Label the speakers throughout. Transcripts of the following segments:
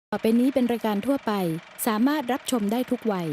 Speaker 1: ต่อไปนี้เป็นรายการทั่วไปสามารถรับชมได้ทุกวัย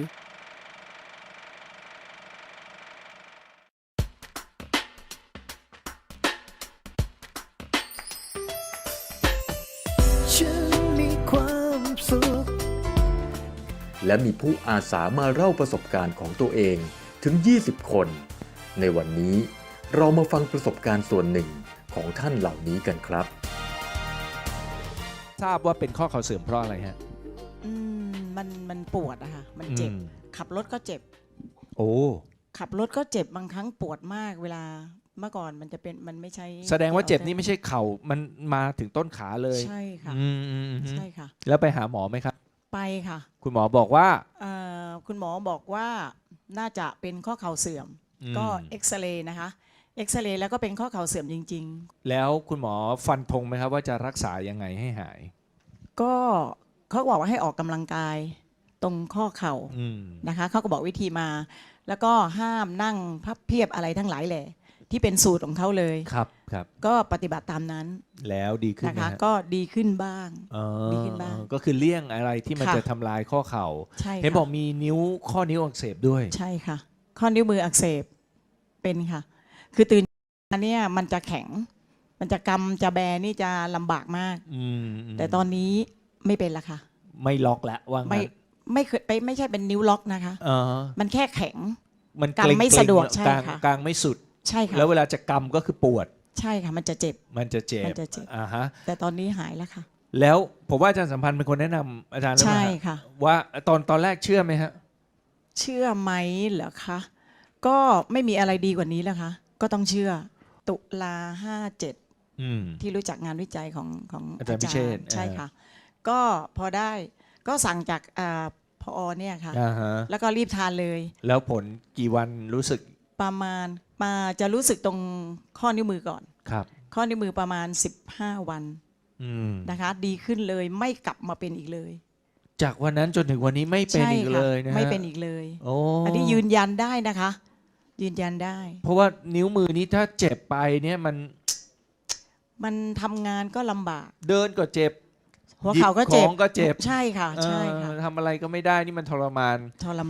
Speaker 2: ฉันมีความสุข
Speaker 3: และมีผู้อาสามาเล่าประสบการณ์ของตัวเองถึง 20 คน ในวันนี้เรามาฟังประสบการณ์ส่วนหนึ่งของท่านเหล่านี้กันครับ
Speaker 4: ทราบว่าเป็นข้อเข่าเสื่อมเพราะอะไรฮะ
Speaker 5: มันปวดอะค่ะมันเจ็บขับรถก็เจ็บ
Speaker 4: โอ้
Speaker 5: ขับรถก็เจ็บบางครั้งปวดมากเวลาเมื่อก่อนมันจะเป็นมันไม่ใช่
Speaker 4: แสดงว่าเจ็บนี่ไม่ใช่เข่ามันมาถึงต้นขาเลย
Speaker 5: ใช่ค่ะใช่ค่ะ
Speaker 4: แล้วไปหาหมอไหมครับ
Speaker 5: ไปค่ะ
Speaker 4: คุณหมอบอกว่า
Speaker 5: คุณหมอบอกว่าน่าจะเป็นข้อเข่าเสื่อมก็เอ็กซเรย์นะคะเอ็กซเรย์แล้วก็เป็นข้อเข่าเสื่อมจริง
Speaker 4: ๆแล้วคุณหมอฟันธงไหมครับว่าจะรักษายังไงให้หาย
Speaker 5: ก็เขาบอกว่าให้ออกกำลังกายตรงข้อเข่านะคะเขาก็บอกวิธีมาแล้วก็ห้ามนั่งพับเพียบอะไรทั้งหลายแหละที่เป็นสูตรของเขาเลย
Speaker 4: ครับครับ
Speaker 5: ก็ปฏิบัติตามนั้น
Speaker 4: แล้วดีขึ้น
Speaker 5: นะคะก็ดีขึ้นบ้างดีขึ้นบ้าง
Speaker 4: ก็คือเลี่ยงอะไรที่มันจะทำลายข้อเข่าเห็นบอกมีข้อนิ้วอักเสบด้วย
Speaker 5: ใช่ค่ะข้อนิ้วมืออักเสบเป็นค่ะคือตื่นเนี่ยมันจะแข็งมันจะกำจะแบนี่จะลำบากมากแต่ตอนนี้ไม่เป็นละค่ะ
Speaker 4: ไม่ล็อกแล้วว่างั้น
Speaker 5: ไม่เคยไปไม่ใช่เป็นนิ้วล็อกนะคะมันแค่แข็ง
Speaker 4: มัน
Speaker 5: กำไม่สะดวกใช่ค่ะ
Speaker 4: กลางไม่สุด
Speaker 5: ใช่ค่ะ
Speaker 4: แล้วเวลาจะกำก็คือปวด
Speaker 5: ใช่ค่ะมันจะเจ็บ
Speaker 4: ฮะ
Speaker 5: แต่ตอนนี้หายแล้วค่ะ
Speaker 4: แล้วผมว่าอาจารย์สัมพันธ์เป็นคนแนะนำอาจารย์
Speaker 5: ใช่ค่ะ
Speaker 4: ว่าตอนแรกเชื่อไหมฮะ
Speaker 5: เชื่อไหมเหรอคะก็ไม่มีอะไรดีกว่านี้แล้วคะก็ต้องเชื่อตุลา57ที่รู้จักงานวิจัยของอาจารย์พิเชษฐ์ใช่ค่ะก็พอได้ก็สั่งจากพอเนี่ยค่ะแล้วก็รีบทานเลย
Speaker 4: แล้วผลกี่วันรู้สึก
Speaker 5: ประมาณจะรู้สึกตรงข้อนิ้วมือก่อน
Speaker 4: ครับ
Speaker 5: ข้อนิ้วมือประมาณ15 วันนะคะดีขึ้นเลยไม่กลับมาเป็นอีกเลย
Speaker 4: จากวันนั้นจนถึงวันนี้ไม่เป็นอีกเลยนะ
Speaker 5: ไม่เป็นอีกเลย
Speaker 4: โอ้
Speaker 5: อันนี้ยืนยันได้นะคะยืนยันได้
Speaker 4: เพราะว่านิ้วมือนี้ถ้าเจ็บไปเนี่ย
Speaker 5: มันทำงานก็ลำบาก
Speaker 4: เดินก็เจ็บ
Speaker 5: หัวเข่าก็เจ็บใช่ค่ะใช่ค่ะ
Speaker 4: ทำอะไรก็ไม่ได้นี่มันทรมาน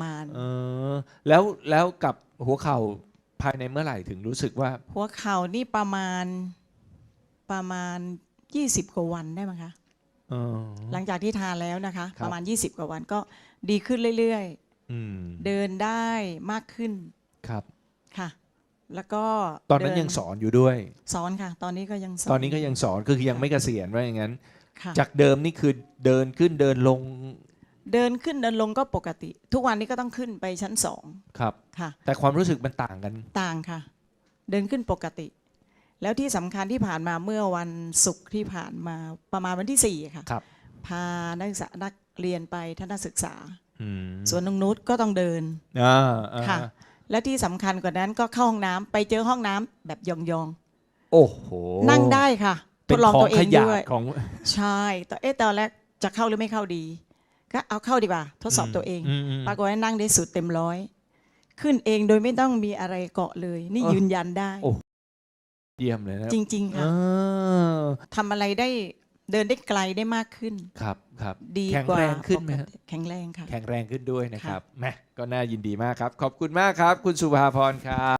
Speaker 5: แล้ว
Speaker 4: กับหัวเข่าภายในเมื่อไหร่ถึงรู้สึกว่า
Speaker 5: หัวเข่านี่ประมาณ20 กว่าวันได้ไหมคะหลังจากที่ทานแล้วนะคะประมาณ20 กว่าวันก็ดีขึ้นเรื่อยๆเดินได้มากขึ้น
Speaker 4: ครับ
Speaker 5: ค่ะแล้วก็
Speaker 4: ตอนนั้นยังสอนอยู่ด้วย
Speaker 5: สอนค่ะตอนนี้ก็ยังส
Speaker 4: อนคือยังไม่เกษียณว่าอย่างนั้นจากเดิมนี่คือเดินขึ้นเดินลง
Speaker 5: เดินขึ้นเดินลงก็ปกติทุกวันนี้ก็ต้องขึ้นไปชั้น2
Speaker 4: ครับ
Speaker 5: ค่ะ
Speaker 4: แต่ความรู้สึกมันต่างกัน
Speaker 5: ต่างค่ะเดินขึ้นปกติแล้วที่สำคัญที่ผ่านมาเมื่อวันศุกร์ที่ผ่านมาประมาณวันที่4ค่ะพานักเรียนไปทัศนศึกษาสวนนงนุชก็ต้องเดินค่ะและที่สำคัญกว่านั้นก็เข้าห้องน้ำไปเจอห้องน้ำแบบยอง
Speaker 4: ๆโอ้โห
Speaker 5: นั่งได้ค่ะทดลองตัวเองด้วย
Speaker 4: ของ
Speaker 5: ใช่ตอนแรกจะเข้าหรือไม่เข้าดีก็เอาเข้าดีกว่าทดสอบตัวเองปรากฏว่านั่งได้สุดเต็ม100ขึ้นเองโดยไม่ต้องมีอะไรเกาะเลยนี่ยืนยันได้
Speaker 4: เยี่ยมเลยนะ
Speaker 5: จริงๆค่ะทำอะไรได้เดินได้ไกลได้มากขึ้น
Speaker 4: ครับ
Speaker 5: ดีกว่า
Speaker 4: แข็งแรงขึ้นไหม
Speaker 5: แข็งแรงค่ะ
Speaker 4: แข็งแรงขึ้นด้วยนะครับแม่ก็น่ายินดีมากครับขอบคุณมากครับคุณสุภาพรครับ